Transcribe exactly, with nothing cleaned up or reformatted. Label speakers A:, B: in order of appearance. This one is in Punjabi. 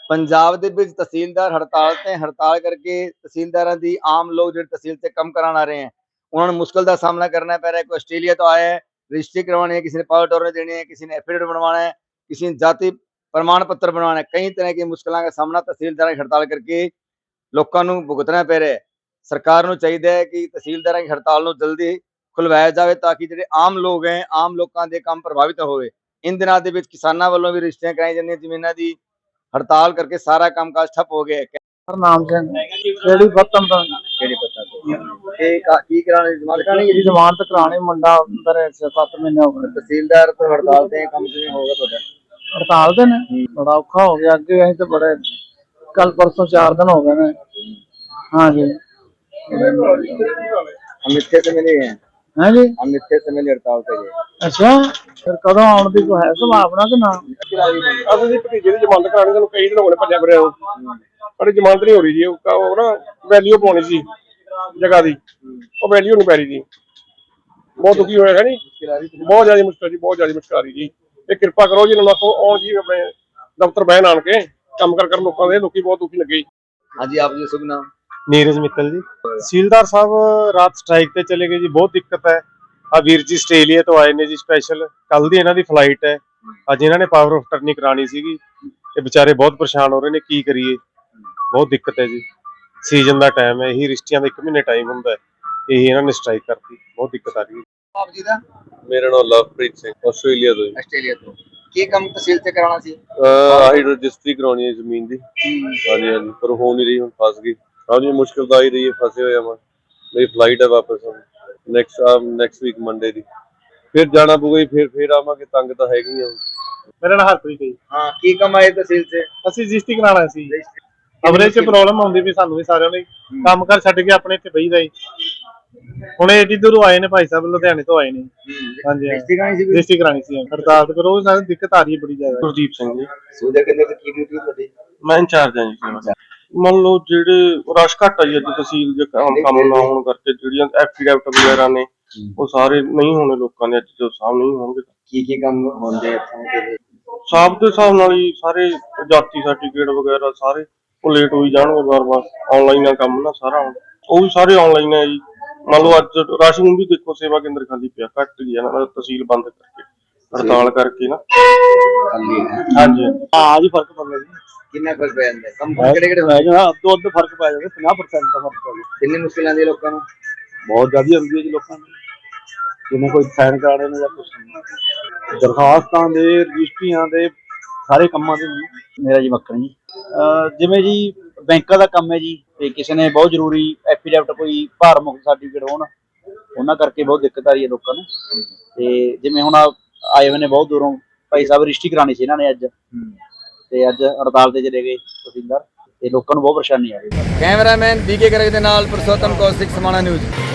A: ਪੰਜਾਬ ਦੇ ਵਿੱਚ ਤਹਿਸੀਲਦਾਰ ਹੜਤਾਲ ਤੇ ਹੜਤਾਲ ਕਰਕੇ ਤਹਿਸੀਲਦਾਰਾਂ ਦੀ ਆਮ ਲੋਕ ਜਿਹੜੇ ਤਹਿਸੀਲ ਤੇ ਕੰਮ ਕਰਾਉਣ ਆ ਰਹੇ हैं ਉਹਨਾਂ ਨੂੰ ਮੁਸ਼ਕਲ ਦਾ ਸਾਹਮਣਾ करना पै रहा है। कोई आस्ट्रेलिया तो आया है, रजिस्ट्री करवानी है, किसी ने पावर टोरन देनी है, किसी ने एफिडेविट बनवाना है, किसी ने जाति प्रमाण पत्र बनवाना है। कई तरह की मुश्किलों का सामना तहसीलदार की हड़ताल करके लोगों को भुगतना पै रहा है। सरकार को चाहिए है कि तहसीलदार की हड़ताल को जल्दी खुलवाया जाए ताकि जो आम लोग हैं आम लोगों के काम प्रभावित हो। इन दिनों के किसानों वालों भी रजिस्ट्रियां कराई जाती जमीनों की हड़ताल करके सारा कामकाज ठप हो गया है।
B: नाम से केड़ी पत्तन तो
A: केड़ी पता तो ये का की कराने जमानत कराने
B: की जमानत कराने मुंडा अंदर है सात महीने हो गए।
A: तहसीलदार तो हड़ताल ते काम से होगा ਤੁਹਾਡਾ
B: हड़ताल ते ने बड़ा औखा हो गया अगे अं तो बड़े कल परसों चार दिन हो गए ने। हाँ जी
A: हम इतने से मिले हैं।
B: हाँ जी
A: हम इतने से मिले हड़ताल पे गए।
B: अच्छा फिर कदों आने की कोई है संभावना कि ना
C: ਅਸੀਂ ਜੀ ਭਤੀਜੇ ਦੀ ਜ਼ਮਾਨਤ ਕਰਾਣੀ ਸਾਨੂੰ ਕਈ ਦਿਨ ਹੋ ਗਏ ਭੱਜਿਆ ਫਿਰਿਆ ਨੂੰ ਪਰ ਜ਼ਮਾਨਤ ਨਹੀਂ ਹੋ ਰਹੀ ਜੀ ਉਹ ਨਾ ਵੈਲਿਊ ਪਾਉਣੀ ਸੀ ਜਗ੍ਹਾ ਦੀ ਉਹ ਵੈਲਿਊ ਨਹੀਂ ਪੈ ਰਹੀ ਜੀ ਬਹੁਤ ਦੁਖੀ ਹੋਇਆ ਹੈ ਨੀ ਬਹੁਤ ਜ਼ਿਆਦਾ ਮੁਸ਼ਕਲ ਜੀ ਬਹੁਤ ਜ਼ਿਆਦਾ ਮੁਸ਼ਕਲ ਆ ਰਹੀ ਜੀ ਇਹ ਕਿਰਪਾ ਕਰੋ ਜੀ ਇਹਨਾਂ ਨੂੰ ਆਖੋ ਆਉਣ ਜੀ ਆਪਣੇ ਦਫ਼ਤਰ ਬਹਿਣ ਆਣ ਕੇ ਕੰਮ ਕਰ ਕਰ ਲੋਕਾਂ ਦੇ ਲੋਕੀ ਬਹੁਤ ਦੁਖੀ ਲੱਗੇ।
A: हाँ जी आप जी शुभ नाम?
D: नीरज मित्तल जी। तहसीलदार साहब रात स्ट्राइक पे चले गए जी, बहुत दिक्कत है। आ वीर जी आस्ट्रेलिया तो आए ने जी स्पेशल, कल दी इन्हां दी फ्लाइट है, अज इन्हां ने पावर ऑफ अटर्नी करानी सीगी, ये बेचारे बहुत परेशान हो रहे ने, की करिए बहुत दिक्कत है जी। सीजन दा टाइम है, यही रिश्तियां दा एक महीने टाइम हुंदा है, यही इन्हां ने स्ट्राइक करती, बहुत दिक्कत आ रही है।
A: आप जी दा
E: मेरा नाम लवप्रीत सिंह आस्ट्रेलिया तो
A: ਆਸਟ੍ਰੇਲੀਆ ਤੋਂ ਕੀ ਕੰਮ ਤਹਿਸੀਲ ਤੇ ਕਰਾਉਣਾ ਸੀ?
E: ਆਹੀ ਰਜਿਸਟਰੀ ਕਰਾਉਣੀ ਹੈ ਜ਼ਮੀਨ ਦੀ। ਹਾਂਜੀ ਹਾਂਜੀ ਪਰ ਹੋ ਨਹੀਂ ਰਹੀ, ਹੁਣ ਫਸ ਗਈ। ਹਾਂਜੀ ਮੁਸ਼ਕਿਲ ਤਾਂ ਆ ਹੀ ਰਹੀ ਹੈ, ਫਸੇ ਹੋਏ ਆ ਮੈਂ। ਮੇਰੀ ਫਲਾਈਟ ਹੈ ਵਾਪਸ ਨੈਕਸਟ ਨੈਕਸਟ ਵੀਕ ਮੰਡੇ ਦੀ, ਫਿਰ ਜਾਣਾ ਪਊਗਾ, ਫਿਰ ਫਿਰ ਆਵਾਂਗੇ। ਤੰਗ ਤਾਂ ਹੈਗੀ ਆ।
D: मेरा नाम हरप्रीत है जी।
A: हाँ की काम आए तहसील से?
D: ਅਸੀਂ ਰਜਿਸਟਰੀ ਕਰਾਣਾ ਸੀ। ਅਵਰੇਜ ਚ ਪ੍ਰੋਬਲਮ ਆਉਂਦੀ ਵੀ ਸਾਨੂੰ ਵੀ ਸਾਰਿਆਂ ਨੂੰ ਕੰਮ ਕਰ ਛੱਡ ਕੇ ਆਪਣੇ ਇੱਥੇ ਬਈਦਾ ਜੀ। ਹੁਣ ਏਡੀ ਦੂਰੋਂ ਆਏ ਨੇ ਭਾਈ ਸਾਹਿਬ, ਲੁਧਿਆਣੇ ਤੋਂ ਆਏ ਨੇ। ਹਾਂਜੀ
A: रजिस्ट्री करानी सी?
D: ਰਜਿਸਟਰੀ ਕਰਾਣੀ ਸੀ, ਹੜਤਾਲ ਤੇ ਕਰੋ, ਸਾਨੂੰ ਦਿੱਕਤ ਆ ਰਹੀ ਹੈ ਬੜੀ ਜ਼ਿਆਦਾ। ਗੁਰਦੀਪ ਸਿੰਘ ਜੀ।
A: ਸੂਦੇ ਕਿੰਨੇ ਤੇ ਕੀ ਡਿਊਟੀ ਤੁਹਾਡੀ?
D: ਮੈਂ ਇੰਚਾਰਜ ਹਾਂ ਜੀ। ਮੰਨ ਲਓ ਜਿਹੜੇ ਰਸ਼ ਘੱਟ ਆਈ ਅੱਜ ਤਹਿਸੀਲ ਦੇ ਕੰਮ ਕੰਮ ਨਾ ਹੋਣ ਕਰਕੇ ਜਿਹੜੀਆਂ ਐਫੀਡੈਵਿਟ ਵਗੈਰਾ ਨੇ ਉਹ ਸਾਰੇ ਨਹੀਂ ਹੋਣੇ ਲੋਕਾਂ ਦੇ, ਅੱਜ ਜੋ ਸਾਹਮ ਨਹੀਂ ਹੋਣਗੇ।
A: ਕੀ ਕੀ ਕੰਮ ਹੁੰਦੇ ਇੱਥੋਂ ਦੇ?
D: ਸਾਬ ਦੇ ਹਿਸਾਬ ਨਾਲ ਹੀ ਸਾਰੇ ਜਾਤੀ ਸਰਟੀਫਿਕੇਟ ਵਗੈਰਾ ਸਾਰੇ ਉਹ ਲੇਟ ਹੋਈ ਜਾਣਗੇ ਵਾਰ ਵਾਰ। ਆਨਲਾਈਨ ਆ ਕੰਮ ਨਾ ਸਾਰਾ, ਉਹ ਵੀ ਸਾਰੇ ਆਨਲਾਈਨ ਹੈ ਜੀ। ਮੰਨ ਲਓ ਅੱਜ ਰਾਸ਼ਨ ਵੀ ਦੇਖੋ ਸੇਵਾ ਕੇਂਦਰ ਖਾਲੀ ਪਿਆ, ਘੱਟ ਗਿਆ ਨਾ ਤਹਿਸੀਲ ਬੰਦ ਕਰਕੇ, ਹੜਤਾਲ ਕਰਕੇ ਨਾ। ਹਾਂਜੀ ਹਾਂ ਜੀ ਫਰਕ ਪੈਂਦਾ ਜੀ।
A: ਕਿੰਨਾ ਫਰਕ ਪੈ ਜਾਂਦਾ? ਕੰਮ ਕਿਹੜੇ ਕਿਹੜੇ
D: ਪੈ ਜਾਂਦਾ ਅੱਧੋ ਅੱਧ ਫਰਕ ਪੈ ਜਾਂਦਾ, ਪੰਜਾਹ ਪਰਸੈਂਟ ਦਾ ਫਰਕ ਪੈ ਜਾਂਦਾ।
A: ਕਿੰਨੀ ਮੁਸ਼ਕਿਲ ਆਉਂਦੀ ਹੈ ਲੋਕਾਂ ਨੂੰ?
D: ਬਹੁਤ ਜ਼ਿਆਦਾ ਹੁੰਦੀ ਹੈ ਜੀ ਲੋਕਾਂ ਨੂੰ, ਜਿਵੇਂ ਕੋਈ ਸਾਈਨ ਕਰਾਣੇ ਨੇ ਜਾਂ ਕੁਛ ਦਰਖਾਸਤਾਂ ਦੇ, ਰਜਿਸਟਰੀਆਂ ਦੇ, ਸਾਰੇ ਕੰਮਾਂ ਦੇ।
F: ਮੇਰਾ ਜੀ ਮੱਖਣ ਜੀ। ਜਿਵੇਂ ਜੀ ਬੈਂਕਾਂ ਦਾ ਕੰਮ ਹੈ ਜੀ, ਤੇ ਕਿਸੇ ਨੇ ਬਹੁਤ ਜ਼ਰੂਰੀ ਐਫੀਡੈਵਿਟ ਕੋਈ ਭਾਰ ਮੁਕਤ ਸਰਟੀਫਿਕੇਟ ਹੋਣ, ਉਹਨਾਂ ਕਰਕੇ ਬਹੁਤ ਦਿੱਕਤ ਆ ਰਹੀ ਹੈ ਲੋਕਾਂ ਨੂੰ। ਤੇ ਜਿਵੇਂ ਹੁਣ ਆਏ ਹੋਏ ਨੇ ਬਹੁਤ ਦੂਰੋਂ ਭਾਈ ਸਾਹਿਬ, ਰਜਿਸਟਰੀ ਕਰਾਣੀ ਸੀ ਇਹਨਾਂ ਨੇ ਅੱਜ, ਤੇ ਅੱਜ ਹੜਤਾਲ ਤੇ ਚਲੇ ਗਏ ਤਹਿਸੀਲਦਾਰ, ਤੇ ਲੋਕਾਂ ਨੂੰ ਬਹੁਤ ਪਰੇਸ਼ਾਨੀ ਆ ਰਹੀ ਹੈ।
A: ਕੈਮਰਾਮੈਨ ਬੀਕੇ ਗਰਗ ਦੇ ਨਾਲ ਪੁਰਸ਼ੋਤਮ ਕੌਸ਼ਿਕ, ਸਮਾਣਾ ਨਿਊਜ਼।